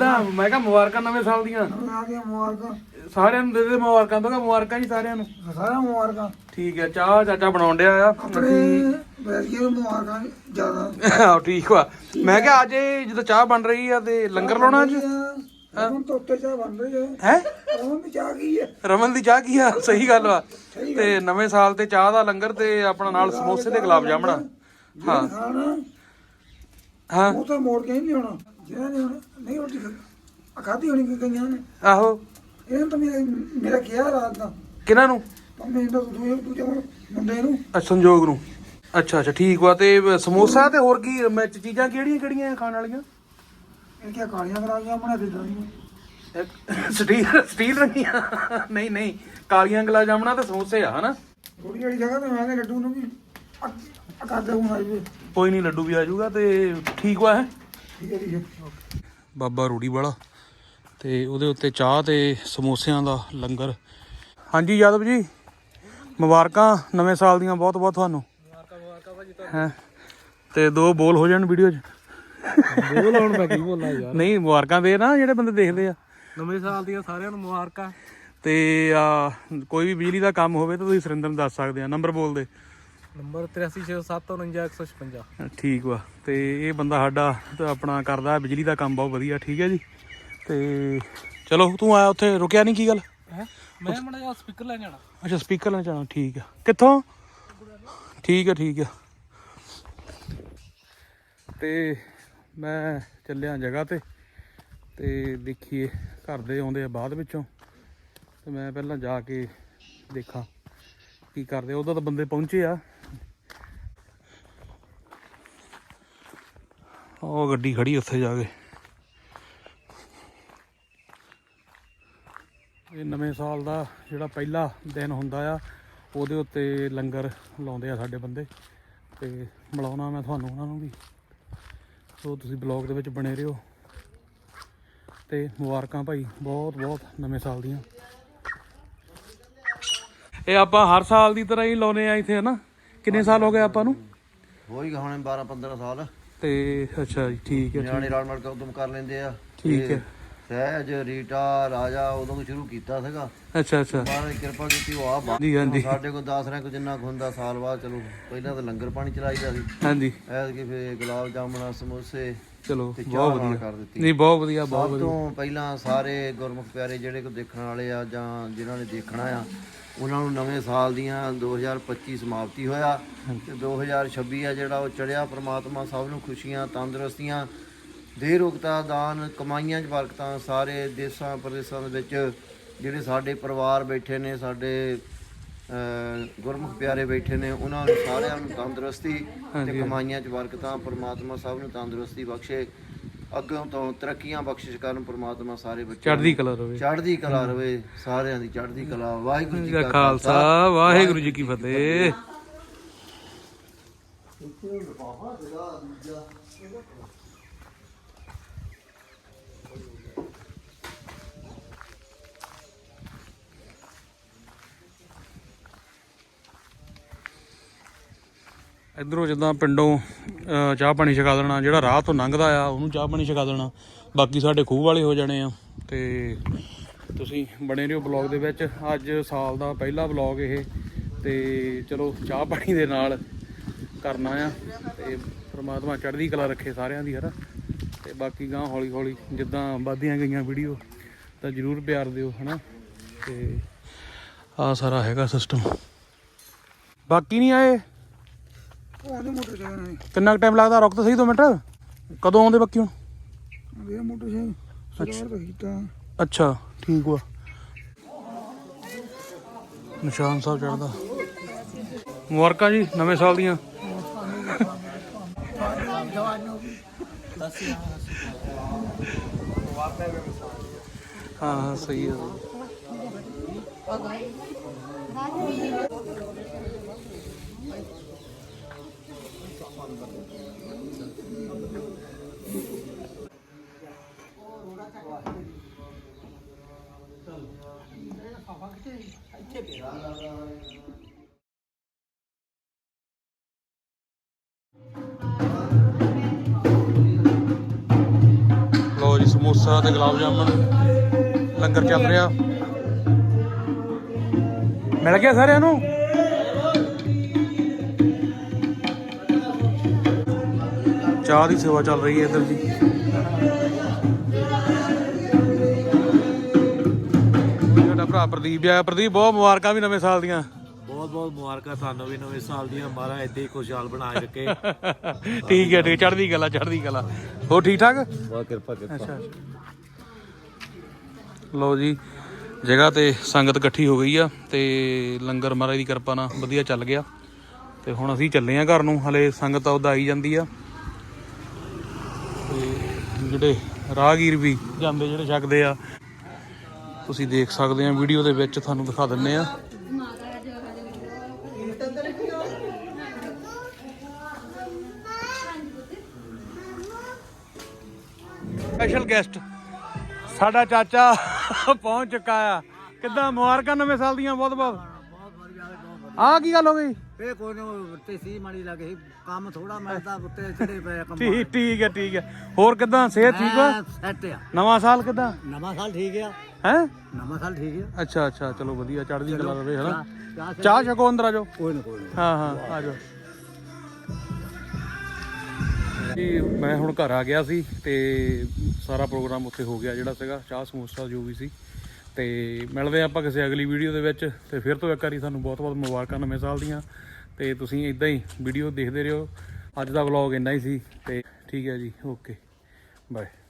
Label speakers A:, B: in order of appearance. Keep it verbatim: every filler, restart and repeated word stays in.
A: ਕਿੱਦਾਂ ਮੈਂ ਕਿਹਾ ਮੁਬਾਰਕਾਂ ਨਵੇਂ ਸਾਲ ਦੀਆਂ
B: ਆ ਗਿਆ ਮੁਬਾਰਕਾਂ
A: ਸਾਰਿਆਂ ਨੂੰ ਦੇ ਦੇ ਮੁਬਾਰਕਾਂ ਦੋਗਾ ਮੁਬਾਰਕਾਂ ਜੀ ਸਾਰਿਆਂ ਨੂੰ
B: ਸਾਰਿਆਂ ਨੂੰ ਮੁਬਾਰਕਾਂ
A: ਠੀਕ ਹੈ ਚਾਹ ਚਾਚਾ ਬਣਾਉਣ ਡਿਆ ਆ
B: ਆਪਣੇ ਬੈਠ ਕੇ ਮੁਬਾਰਕਾਂ ਜ਼ਿਆਦਾ
A: ਆਹੋ ਠੀਕ ਵਾ ਮੈਂ ਕਿਹਾ ਅੱਜ ਇਹ ਜਦੋਂ ਚਾਹ ਬਣ ਰਹੀ ਆ ਤੇ ਲੰਗਰ ਲਾਉਣਾ ਅੱਜ
B: ਹੁਣ ਤਾਂ ਉੱਤੇ ਚਾਹ ਬਣ ਰਹੀ ਹੈ
A: ਹੈ
B: ਰਮਨ ਦੀ ਚਾਹ ਕੀ ਹੈ
A: ਰਮਨ ਦੀ ਚਾਹ ਕੀ ਆ ਸਹੀ ਗੱਲ ਵਾ ਤੇ ਨਵੇਂ ਸਾਲ ਤੇ ਚਾਹ ਦਾ ਲੰਗਰ ਤੇ ਆਪਣਾ ਨਾਲ ਸਮੋਸੇ ਤੇ ਗੁਲਾਬ ਜਾਮਣਾ ਹਾਂ
B: ਖਾਣਾ
A: ਹਾਂ
B: ਉਹ ਤਾਂ ਮੋੜ ਕੇ ਨਹੀਂ ਆਉਣਾ ਜਿਹੜਾ ਨਹੀਂ ਆਉਣਾ ਨਹੀਂ ਰੋਟੀ ਖਾਦੀ ਹੋਣੀ ਕਿ ਕਈਆਂ ਨੇ
A: ਆਹੋ
B: ਇਹਨਾਂ ਤਾਂ ਮੇਰਾ ਮੇਰਾ ਕਿਹਾ ਰਾਤ ਦਾ
A: ਕਿਹਨਾਂ ਨੂੰ
B: ਮੈਂ ਤਾਂ ਦੂਜੇ ਦੂਜੇ ਮੁੰਡੇ ਨੂੰ
A: ਅੱਛਾ ਸੰਜੋਗ ਨੂੰ ਅੱਛਾ ਅੱਛਾ ਠੀਕ ਵਾ ਤੇ ਸਮੋਸਾ ਤੇ ਹੋਰ ਕੀ ਮੈਂ ਚੀਜ਼ਾਂ ਕਿਹੜੀਆਂ ਕਿਹੜੀਆਂ ਖਾਣ ਵਾਲੀਆਂ
B: ਇਹ ਕਿਆ ਕਾਲੀਆਂ ਕਰਾਈਆਂ ਬਣਾ ਦੇ ਦਾਂਗੇ
A: ਸਟੀਲ ਸਟੀਲ ਰੰਗੀਆਂ ਨਹੀਂ ਨਹੀਂ ਕਾਲੀਆਂ ਗੁਲਾਬ ਜਾਮਣਾ ਤੇ ਸਮੋਸੇ ਆ ਹਨਾ
B: ਥੋੜੀ ਜਿਹੀ ਜਗ੍ਹਾ ਤੇ ਮੈਂ ਕਿਹਾ ਲੱਡੂ ਨੂੰ ਵੀ ਕਰਦੇ ਹੁਣ ਆਈ
A: ਕੋਈ ਨਹੀਂ ਲੱਡੂ ਵੀ ਆ ਜਾਊਗਾ ਤੇ ਠੀਕ ਵਾ ਹੈ
B: ਠੀਕ ਹੈ ਜੀ
A: ਬਾਬਾ ਰੂੜੀ ਵਾਲਾ ਤੇ ਉਹਦੇ ਉੱਤੇ ਚਾਹ ਤੇ ਸਮੋਸਿਆਂ ਦਾ ਲੰਗਰ ਹਾਂਜੀ ਯਾਦਵ ਜੀ ਮੁਬਾਰਕਾਂ ਨਵੇਂ ਸਾਲ ਦੀਆਂ ਬਹੁਤ ਬਹੁਤ ਤੁਹਾਨੂੰ ਮੁਬਾਰਕਾਂ ਮੁਬਾਰਕਾਂ ਭਾਜੀ ਤੁਹਾਨੂੰ ਹੈ ਤੇ ਦੋ ਬੋਲ ਹੋ ਜਾਣ ਵੀਡੀਓ 'ਚ
B: ਬੋਲ ਹੁਣ ਮੈਂ ਕੀ ਬੋਲਾਂ ਯਾਰ
A: ਨਹੀਂ ਮੁਬਾਰਕਾਂ ਦੇ ਨਾ ਜਿਹੜੇ ਬੰਦੇ ਦੇਖਦੇ ਆ
B: ਨਵੇਂ ਸਾਲ ਦੀਆਂ ਸਾਰਿਆਂ ਨੂੰ ਮੁਬਾਰਕਾਂ
A: ਤੇ ਆ ਕੋਈ ਵੀ ਬਿਜਲੀ ਦਾ ਕੰਮ ਹੋਵੇ ਤਾਂ ਤੁਸੀਂ ਸੁਰਿੰਦਰ ਨੂੰ ਦੱਸ ਸਕਦੇ ਆ ਨੰਬਰ ਬੋਲ ਦੇ
B: ਨੰਬਰ ਤ੍ਰਿਆਸੀ ਛੇ ਸੌ ਸੱਤ ਉਣੰਜਾ ਇੱਕ ਸੌ ਛਪੰਜਾ
A: ਠੀਕ ਵਾ ਤੇ ਇਹ ਬੰਦਾ ਸਾਡਾ ਆਪਣਾ ਕਰਦਾ ਬਿਜਲੀ ਦਾ ਕੰਮ ਬਹੁਤ ਵਧੀਆ ਠੀਕ ਹੈ ਜੀ ਤੇ ਚਲੋ ਤੂੰ ਆਇਆ ਉੱਥੇ ਰੁਕਿਆ ਨਹੀਂ ਕੀ ਗੱਲ
B: ਹੈ ਮੈਂ ਮੜਾ ਜਿਹਾ ਸਪੀਕਰ ਲੈ ਜਾਣਾ
A: ਅੱਛਾ ਸਪੀਕਰ ਲੈਣ ਜਾਣਾ ਠੀਕ ਆ ਕਿੱਥੋਂ ਠੀਕ ਆ ਠੀਕ ਆ ਤੇ ਮੈਂ ਚੱਲਿਆ ਜਗ੍ਹਾ ਤੇ ਤੇ ਦੇਖੀਏ ਘਰ ਦੇ ਆਉਂਦੇ ਆ ਬਾਅਦ ਵਿੱਚੋਂ ਤੇ ਮੈਂ ਪਹਿਲਾਂ ਜਾ ਕੇ ਦੇਖਾਂ ਕੀ ਕਰਦੇ ਉਦੋਂ ਤਾਂ ਬੰਦੇ ਪਹੁੰਚੇ ਆ ਉਹ ਗੱਡੀ ਖੜੀ ਉੱਥੇ ਜਾ ਕੇ ਇਹ ਨਵੇਂ ਸਾਲ ਦਾ ਜਿਹੜਾ ਪਹਿਲਾ ਦਿਨ ਹੁੰਦਾ ਆ ਉਹਦੇ ਉੱਤੇ ਲੰਗਰ ਲਾਉਂਦੇ ਆ ਸਾਡੇ ਬੰਦੇ ਤੇ ਮਿਲਾਉਣਾ ਮੈਂ ਤੁਹਾਨੂੰ ਉਹਨਾਂ ਨੂੰ ਵੀ ਸੋ ਤੁਸੀਂ ਬਲੌਗ ਦੇ ਵਿੱਚ ਬਣੇ ਰਹੋ ਤੇ ਮੁਬਾਰਕਾਂ ਭਾਈ ਬਹੁਤ ਬਹੁਤ ਨਵੇਂ ਸਾਲ ਦੀਆਂ ਇਹ ਆਪਾਂ ਹਰ ਸਾਲ ਦੀ ਤਰ੍ਹਾਂ ਹੀ ਲਾਉਨੇ ਆ ਇੱਥੇ ਹਨਾ ਕਿੰਨੇ ਸਾਲ ਹੋ ਗਏ ਆਪਾਂ ਨੂੰ
C: ਹੋ ਹੀ ਗਏ ਬਾਰਾਂ ਪੰਦਰਾਂ ਸਾਲ
A: ਤੇ ਅੱਛਾ ਜੀ ਠੀਕ ਹੈ
C: ਨਿਆਣੇ ਰਲ ਮਿਲ ਕੇ ਉਦਮ ਕਰ ਲੈਂਦੇ ਆ
A: ਠੀਕ ਹੈ
C: ਸਹਿਜ ਰੀਟਾ ਰਾਜਾ ਉਦੋਂ ਤੋਂ ਸ਼ੁਰੂ ਕੀਤਾ ਸੀਗਾ
A: ਅੱਛਾ ਅੱਛਾ
C: ਮਹਾਰਾਜ ਦੀ ਕਿਰਪਾ ਕੀਤੀ ਉਹ ਆ ਬਾ-
A: ਜੀ ਹਾਂਜੀ
C: ਸਾਡੇ ਕੋਲ ਦਸ ਰੈਂਕ ਜਿੰਨਾ ਕੁ ਹੁੰਦਾ ਸਾਲ ਬਾਅਦ ਚਲੋ ਪਹਿਲਾਂ ਤਾਂ ਲੰਗਰ ਪਾਣੀ ਚਲਾਈਦਾ ਸੀ
A: ਹਾਂਜੀ
C: ਐਤਕੀ ਫੇਰ ਗੁਲਾਬ ਜਾਮਣਾ ਸਮੋਸੇ
A: ਚਲੋ
C: ਤੇ
A: ਬਹੁਤ
C: ਚਾਹ ਨਾਲ
A: ਵਧੀਆ
C: ਕਰ ਦਿੱਤੀ
A: ਨਹੀਂ ਬਹੁਤ ਵਧੀਆ ਬਹੁਤ
C: ਸਭ
A: ਵਧੀਆ
C: ਤੋਂ ਪਹਿਲਾਂ ਸਾਰੇ ਗੁਰਮੁਖ ਪਿਆਰੇ ਜਿਹੜੇ ਕੋ ਦੇਖਣ ਵਾਲੇ ਆ ਜਾਂ ਜਿਨ੍ਹਾਂ ਨੇ ਦੇਖਣਾ ਆ ਉਹਨਾਂ ਨੂੰ ਨਵੇਂ ਸਾਲ ਦੀਆਂ ਦੋ ਹਜ਼ਾਰ ਪੱਚੀ ਸਮਾਪਤੀ ਹੋਇਆ ਤੇ ਦੋ ਹਜ਼ਾਰ ਛੱਬੀ ਆ ਜਿਹੜਾ ਉਹ ਚੜਿਆ ਪ੍ਰਮਾਤਮਾ ਸਭ ਨੂੰ ਖੁਸ਼ੀਆਂ ਤੰਦਰੁਸਤੀਆਂ ਦੇ ਰੋਗਤਾ ਦਾਨ ਕਮਾਈਆਂ 'ਚ ਬਰਕਤਾਂ ਸਾਰੇ ਦੇਸਾਂ ਪ੍ਰਦੇਸਾਂ ਦੇ ਵਿੱਚ ਜਿਹੜੇ ਸਾਡੇ ਪਰਿਵਾਰ ਬੈਠੇ ਨੇ ਸਾਡੇ ਗੁਰਮੁਖ ਪਿਆਰੇ ਬੈਠੇ ਨੇ ਉਹਨਾਂ ਨੂੰ ਸਾਰਿਆਂ ਨੂੰ ਤੰਦਰੁਸਤੀ ਤੇ ਕਮਾਈਆਂ 'ਚ ਬਰਕਤਾਂ ਪ੍ਰਮਾਤਮਾ ਸਭ ਨੂੰ ਤੰਦਰੁਸਤੀ ਬਖਸ਼ੇ ਅੱਗੋਂ ਤੋਂ ਤਰੱਕੀਆਂ ਬਖਸ਼ਿਸ਼ ਕਰਨ ਪ੍ਰਮਾਤਮਾ ਸਾਰੇ ਬੱਚੇ
A: ਚੜ੍ਹਦੀ ਕਲਾ ਰਵੇ
C: ਚੜ੍ਹਦੀ ਕਲਾ ਰਵੇ ਸਾਰਿਆਂ ਦੀ ਚੜ੍ਹਦੀ ਕਲਾ ਵਾਹਿਗੁਰੂ ਜੀ ਕਾ
A: ਖਾਲਸਾ ਵਾਹਿਗੁਰੂ ਜੀ ਕੀ ਫਤਿਹ ਇੱਧਰੋਂ ਜਿੱਦਾਂ ਪਿੰਡੋਂ ਚਾਹ ਪਾਣੀ ਛਕਾ ਦੇਣਾ ਜਿਹੜਾ ਰਾਹ ਤੋਂ ਲੰਘਦਾ ਆ ਉਹਨੂੰ ਚਾਹ ਪਾਣੀ ਛਕਾ ਦੇਣਾ ਬਾਕੀ ਸਾਡੇ ਖੂਹ ਵਾਲੇ ਹੋ ਜਾਣੇ ਆ ਤੇ ਤੁਸੀਂ ਬਣੇ ਰਹੋ ਬਲੌਗ ਦੇ ਵਿੱਚ ਅੱਜ ਸਾਲ ਦਾ ਪਹਿਲਾ ਬਲੌਗ ਇਹ ਤੇ ਚਲੋ ਚਾਹ ਪਾਣੀ ਦੇ ਨਾਲ ਕਰਨਾ ਆ ਤੇ ਪ੍ਰਮਾਤਮਾ ਚੜ੍ਹਦੀ ਕਲਾ ਰੱਖੇ ਸਾਰਿਆਂ ਦੀ ਹਨਾ ਤੇ ਬਾਕੀ ਗਾਂ ਹੌਲੀ ਹੌਲੀ ਜਿੱਦਾਂ ਵੱਧਦੀਆਂ ਗਈਆਂ ਵੀਡੀਓ ਤਾਂ ਜ਼ਰੂਰ ਪਿਆਰ ਦਿਓ ਹਨਾ ਤੇ ਆਹ ਸਾਰਾ ਹੈਗਾ ਸਿਸਟਮ ਬਾਕੀ ਨਹੀਂ ਆਏ
B: ਮੋਟਰਸਾਈਕਲ
A: ਕਿੰਨਾ ਟਾਈਮ ਲੱਗਦਾ ਰੁਕ ਤਾਂ ਸਹੀ ਦੋ ਮਿੰਟ ਕਦੋਂ ਆਉਂਦੇ ਬਾਕੀ ਹੁਣ
B: ਇਹ ਮੋਟਰਸਾਈਕਲ ਸਰਦਾਰ ਦਾ ਕੀਤਾ
A: ਅੱਛਾ ਠੀਕ ਵਾ ਨਿਸ਼ਾਨ ਸਾਹਿਬ ਚੜ੍ਹਦਾ ਮੁਬਾਰਕਾਂ ਜੀ ਨਵੇਂ ਸਾਲ ਦੀਆਂ ਹਾਂ ਹਾਂ ਸਹੀ ਹੈ ਲਓ ਜੀ ਸਮੋਸੇ ਸਮੋਸਾ ਤੇ ਗੁਲਾਬ ਜਾਮਣ ਲੰਗਰ ਚੱਲ ਰਿਹਾ। ਮਿਲ ਗਿਆ ਸਾਰਿਆਂ ਨੂੰ। ਚਾਹ ਦੀ ਸੇਵਾ ਚੱਲ ਰਹੀ ਹੈ ਇੱਧਰ ਜੀ। ਸਾਡਾ ਭਰਾ ਪ੍ਰਦੀਪ ਆਇਆ। ਪ੍ਰਦੀਪ ਬਹੁਤ ਮੁਬਾਰਕਾਂ ਵੀ ਨਵੇਂ ਸਾਲ ਦੀਆਂ।
D: ਬਹੁਤ ਬਹੁਤ ਮੁਬਾਰਕਾਂ ਤੁਹਾਨੂੰ ਵੀ ਨਵੇਂ ਸਾਲ ਦੀਆਂ। ਮਹਾਰਾਜ ਏਦਾਂ ਹੀ ਖੁਸ਼ਹਾਲ ਬਣਾ ਕੇ ਰੱਖੇ।
A: ਠੀਕ ਹੈ ਠੀਕ, ਚੜ੍ਹਦੀ ਕਲਾ ਚੜ੍ਹਦੀ ਕਲਾ। ਹੋਰ ਠੀਕ ਠਾਕ?
D: ਬਹੁਤ ਕਿਰਪਾ ਕਿਰਪਾ।
A: ਅੱਛਾ ਲਓ ਜੀ, ਜਗ੍ਹਾ ਤੇ ਸੰਗਤ ਇਕੱਠੀ ਹੋ ਗਈ ਆ ਤੇ ਲੰਗਰ ਮਹਾਰਾਜ ਦੀ ਕਿਰਪਾ ਨਾਲ ਵਧੀਆ ਚੱਲ ਗਿਆ। ਤੇ ਹੁਣ ਅਸੀਂ ਚੱਲੇ ਆ ਘਰ ਨੂੰ। ਹਲੇ ਸੰਗਤ ਉਹਦਾ ਆਈ ਜਾਂਦੀ ਆ ਤੇ ਜਿਹੜੇ ਰਾਹਗੀਰ ਵੀ ਜਾਂਦੇ ਜਿਹੜੇ ਛਕਦੇ ਆ, ਤੁਸੀਂ ਦੇਖ ਸਕਦੇ ਆ ਵੀਡੀਓ ਦੇ ਵਿੱਚ, ਤੁਹਾਨੂੰ ਦਿਖਾ ਦਿੰਨੇ ਆ। ਸਪੈਸ਼ਲ ਗੈਸਟ ਸਾਡਾ ਚਾਚਾ ਪਹੁੰਚ ਚੁੱਕਾ ਆ। ਕਿੱਦਾਂ ਮੁਬਾਰਕਾਂ ਨਵੇਂ ਸਾਲ ਦੀਆਂ ਬਹੁਤ ਬਹੁਤ। ਆਹ ਕੀ ਗੱਲ ਹੋ ਗਈ?
D: ਇਹ ਕੋਈ ਨਾ ਉੱਤੇ ਸੀ ਮਾੜੀ ਲੱਗੇ ਸੀ, ਕੰਮ ਥੋੜਾ ਮਿਲਦਾ ਉੱਤੇ ਚੜੇ ਪਏ ਕੰਮ।
A: ਠੀਕ ਠੀਕ ਹੈ ਠੀਕ ਹੈ। ਹੋਰ ਕਿੱਦਾਂ ਸਿਹਤ ਠੀਕ ਆ?
D: ਸੈੱਟ ਆ।
A: ਨਵਾਂ ਸਾਲ ਕਿੱਦਾਂ?
D: ਨਵਾਂ ਸਾਲ ਠੀਕ ਆ।
A: ਹੈ
D: ਨਵਾਂ ਸਾਲ ਠੀਕ ਆ।
A: ਅੱਛਾ ਅੱਛਾ, ਚਲੋ ਵਧੀਆ, ਚੜ੍ਹਦੀ ਕਲਾ ਰਵੇ ਹਨਾ।
D: ਚਾਹ
A: ਚਾਹ ਛਕੋ, ਅੰਦਰ ਆ ਜਾਓ।
D: ਕੋਈ ਨਾ ਕੋਈ ਨਾ।
A: ਹਾਂ ਹਾਂ ਆ ਜਾਓ ਜੀ। ਮੈਂ ਹੁਣ ਘਰ ਆ ਗਿਆ ਸੀ ਤੇ ਸਾਰਾ ਪ੍ਰੋਗਰਾਮ ਉੱਥੇ ਹੋ ਗਿਆ ਜਿਹੜਾ ਸੀਗਾ, ਚਾਹ ਸਮੋਸਾ ਜੋ ਵੀ ਸੀ। ਤੇ ਮਿਲਦੇ ਆਪਾਂ ਕਿਸੇ ਅਗਲੀ ਵੀਡੀਓ ਦੇ ਵਿੱਚ। ਤੇ ਫਿਰ ਤੋਂ ਇੱਕ ਵਾਰੀ ਤੁਹਾਨੂੰ ਬਹੁਤ ਬਹੁਤ ਮੁਬਾਰਕਾਂ ਨਵੇਂ ਸਾਲ ਦੀਆਂ। ਤੇ ਤੁਸੀਂ ਇਦਾਂ ਹੀ ਵੀਡੀਓ ਦੇਖਦੇ ਰਹੋ। ਅੱਜ ਦਾ ਵਲੌਗ ਇੰਨਾ ਹੀ ਸੀ ਤੇ ਠੀਕ ਹੈ ਜੀ, ਓਕੇ ਬਾਏ।